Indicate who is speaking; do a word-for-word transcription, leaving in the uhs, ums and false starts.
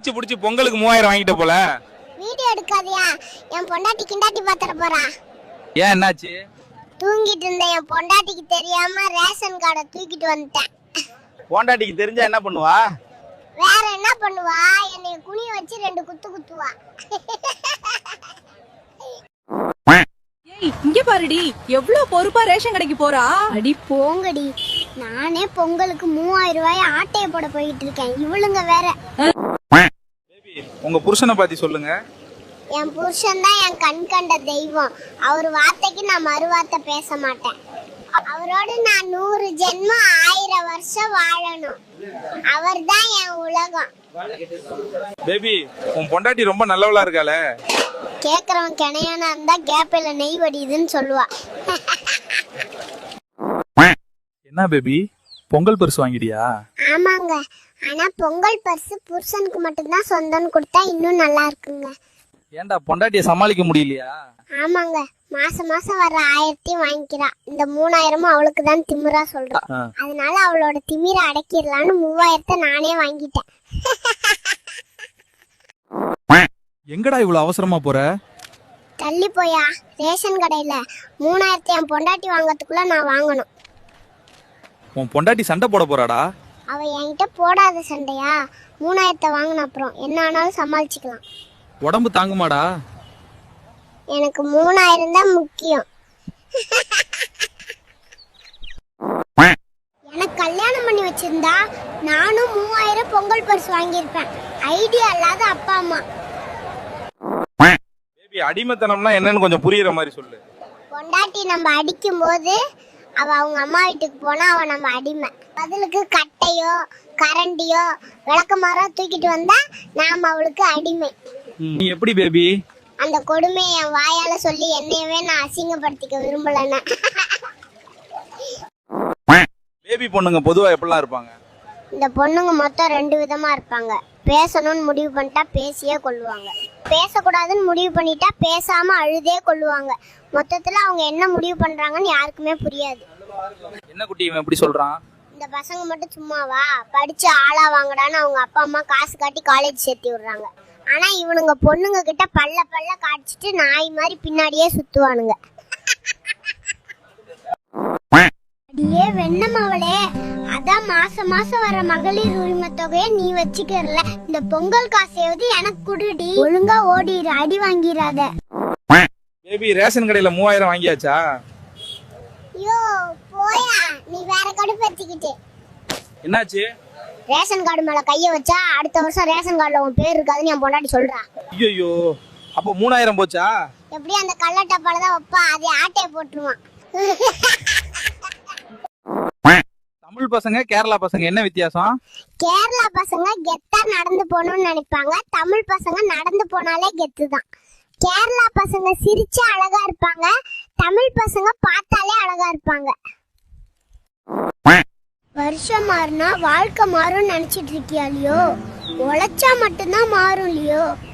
Speaker 1: அடிச்சு புடிச்சு பொங்கலுக்கு மூவாயிரம் வாங்கிட்ட போல.
Speaker 2: வீடியோ எடுக்காதியா, என் பொண்டாட்டி கிண்டாட்டி பாத்துற போறா.
Speaker 1: ஏன் என்னாச்சு?
Speaker 2: தூங்கிட்டு இருந்த என் பொண்டாட்டிக்கு தெரியாம ரேஷன் கார்டை தூக்கிட்டு வந்துட்டேன்.
Speaker 1: பொண்டாட்டிக்கு தெரிஞ்சா என்ன பண்ணுவா?
Speaker 2: வேற என்ன பண்ணுவா, என்னை குனிய வச்சு ரெண்டு குத்து குத்துவா.
Speaker 3: ஏய் இங்க பாருடி, எவ்வளவு பொறுப்பா ரேஷன் கடைக்கு போறா.
Speaker 2: அடி போங்கடி, நானே பொங்கலுக்கு மூவாயிரம் ரூபாய் ஆட்டைய போட போயிட்டு இருக்கேன், இவளுங்க வேற.
Speaker 1: உங்க புருஷனை பத்தி சொல்லுங்க.
Speaker 2: என் புருஷன் தான் என் கண் கண்ட தெய்வம். அவர் வார்த்தைக்கு நான் மறுவார்த்தை பேச மாட்டேன். அவரோடு நான் நூறு ஜென்மம் ஆயிரம் வருஷம் வாழணும். அவர் தான் என் உலகம்.
Speaker 1: பேபி, உன் பொண்டாட்டி ரொம்ப நல்லவளா இருக்காளே.
Speaker 2: கேக்குறவன் கிணையானா இருந்தா கேப்பில நெய் வடியுதுன்னு சொல்லுவா.
Speaker 1: என்ன பேபி, பொங்கல் பரிசு வாங்கிடியா?
Speaker 2: ஆமாங்க, ஆனா பொங்கல் பரிசு புருஷனுக்கு மட்டும்தான் சொந்தம்னு கொடுத்தா இன்னும் நல்லா இருக்குங்க.
Speaker 1: ஏன்டா பொண்டாட்டிய சமாளிக்க முடியலையா?
Speaker 2: ஆமாங்க, மாசம் மாசம் வர்ற ஆயிரத்தையும் வாங்கிக்கிறா. இந்த மூணாயிரமும் அவளுக்கு தான் திமிரா சொல்றோம். அதனால அவளோட திமிர அடக்கிடலான்னு மூவாயிரத்தை நானே வாங்கிட்டேன்.
Speaker 1: எங்கடா இவ்வளவு அவசரமா போற?
Speaker 2: தள்ளி போயா, ரேஷன் கடையில மூணாயிரத்தை என் பொண்டாட்டி வாங்கறதுக்குள்ள நான் வாங்கணும்.
Speaker 1: உன் பொண்டாட்டி சண்டை போட போறாடா.
Speaker 2: அவ என்கிட்ட போடாத சண்டையா, மூணாயிரத்தை வாங்கின அப்புறம் என்ன ஆனாலும் சமாளிச்சுக்கலாம்.
Speaker 1: உடம்பு தாங்குமாடா?
Speaker 2: எனக்கு மூணாயிரம் தான் முக்கியம். எனக்கு கல்யாணம் பண்ணி வச்சிருந்தா நானும் மூவாயிரம் பொங்கல் பரிசு வாங்கியிருப்பேன். ஐடியா இல்லாத அப்பா அம்மா.
Speaker 1: பேபி, அடிமைத்தனம்னா என்னன்னு கொஞ்சம் புரியுற மாதிரி சொல்லு.
Speaker 2: பொண்டாட்டி நம்ம அடிக்கும் போது அவ அவங்க அம்மா வீட்டுக்கு போனா அவ நம்ம அடிமை. பதிலுக்கு கட்டையோ கரண்டியோ விளக்கமாரோ தூக்கிட்டு வந்தா நாம அவளுக்கு அடிமை.
Speaker 1: நீ எப்படி பேபி?
Speaker 2: அந்த கொடுமையை என் வாயால சொல்லி என்னையவே நான் அசிங்கப்படுத்திக்க விரும்பலன்னு.
Speaker 1: பேபி பொண்ணுங்க பொதுவா எப்படிலாம் இருப்பாங்க?
Speaker 2: இந்த பொண்ணுங்க மொத்தம் ரெண்டு விதமா இருப்பாங்க. பேசணும்னு முடிவு பண்ணிட்டா பேசியே கொள்ளுவாங்க, பேசக்கூடாதுன்னு முடிவு பண்ணிட்டா பேசாம அழுதே கொள்ளுவாங்க. மொத்தத்துல அவங்க என்ன முடிவு பண்றாங்கன்னு யாருக்குமே புரியாது.
Speaker 1: என்ன குட்டி இவன் எப்படி சொல்றான்?
Speaker 2: இந்த பசங்க மட்டும் சும்மாவா, படிச்சு ஆளா வாங்கடான்னு அவங்க அப்பா அம்மா காசு காட்டி காலேஜ் சேர்த்தி விடுறாங்க. ஆனா இவனுங்க பொண்ணுங்க கிட்ட பல்ல பல்ல காய்ச்சிட்டு நாய் மாதிரி பின்னாடியே சுத்துவானுங்க. அடியே வெண்ணமவளே, அதான் மாசம் மாசம் வர மகளிர் உரிமை தொகையை நீ வச்சுக்கறல, இந்த பொங்கல் காசையாவது எனக்கு குடுடி. ஒழுங்கா ஓடிடு, அடி வாங்கிராத.
Speaker 1: பேபி, ரேஷன் கடையில மூவாயிரம் வாங்கியாச்சா?
Speaker 2: யோ போயா, நீ வேற கடுப்பேத்திக்கிட்டு.
Speaker 1: என்னாச்சு?
Speaker 2: ரேஷன் கார்டு மேல கைய வச்சா அடுத்த வருஷம் ரேஷன் கார்டுல உன் பேர் இருக்காதுன்னு என் பொண்டாட்டி சொல்றா.
Speaker 1: ஐயோ, அப்ப மூணாயிரம் போச்சா?
Speaker 2: எப்படி அந்த கள்ளட்டப்பால தான் வைப்பா, அதை ஆட்டைய போட்டுருவான்.
Speaker 1: தமிழ் பசங்க கேரளா பசங்க என்ன வித்தியாசம்?
Speaker 2: கேரளா பசங்க கெத்தா நடந்து போகணும்னு நினைப்பாங்க, தமிழ் பசங்க நடந்து போனாலே கெத்து தான். கேரளா பசங்க சிரிச்சா அழகா இருப்பாங்க, தமிழ் பசங்க பார்த்தாலே அழகா இருப்பாங்க. வருஷம் மாறினா வாழ்க்கை மாறும் நினைச்சிட்டு இருக்கியா இல்லையோ? உழைச்சா மட்டும்தான் மாறும் இல்லையோ?